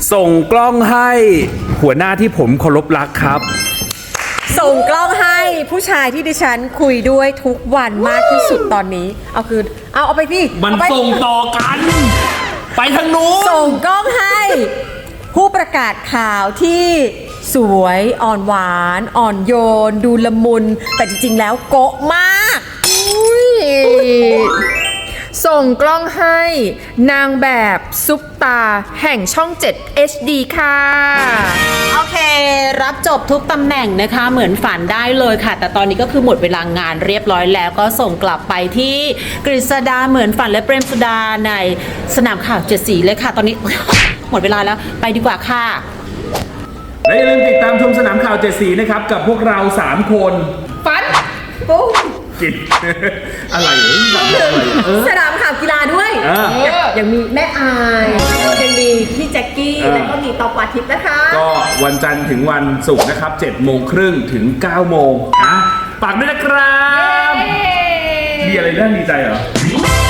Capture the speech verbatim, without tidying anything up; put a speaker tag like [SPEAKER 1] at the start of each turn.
[SPEAKER 1] ส่งกล้องให้หัวหน้าที่ผมเคารพรักครับ
[SPEAKER 2] ส่งกล้องให้ผู้ชายที่ดิฉันคุยด้วยทุกวันมากที่สุดตอนนี้เอาคืนเอาเอาไปพี่
[SPEAKER 1] มันส่งต่อกันไปทางนู้น
[SPEAKER 2] ส่งกล้องให้ผู้ประกาศข่าวที่สวยอ่อนหวานอ่อนโยนดูละมุนแต่จริงๆแล้วโก๊ะมาก
[SPEAKER 3] ส่งกล้องให้นางแบบซุปตาแห่งช่อง เจ็ด เอช ดี ค่ะ
[SPEAKER 4] โอเครับจบทุกตำแหน่งนะคะเหมือนฝันได้เลยค่ะแต่ตอนนี้ก็คือหมดเวลางานเรียบร้อยแล้วก็ส่งกลับไปที่กฤษดาเหมือนฝันและเปรมสุดาในสนามข่าวเจ็ดสีเลยค่ะตอนนี้ หมดเวลาแล้วไปดีกว่าค่ะ
[SPEAKER 1] และอย่าลืมติดตามชมสนามข่าวเจ็ดสีนะครับกับพวกเราสามคน
[SPEAKER 2] ฟันปุ๊บ
[SPEAKER 1] กินอะไร
[SPEAKER 2] สนามข่าวกีฬาด้วยยังมีแม่อายยังมีพี่แจ็คกี้แล้วก็มีตอกวาทิพย์นะคะ
[SPEAKER 1] ก็วันจันทร์ถึงวันศุกร์นะครับเจ็ดโมงครึ่งถึงเก้าโมงนะฝากด้วยนะครับมีอะไรน่าดีใจเหรอ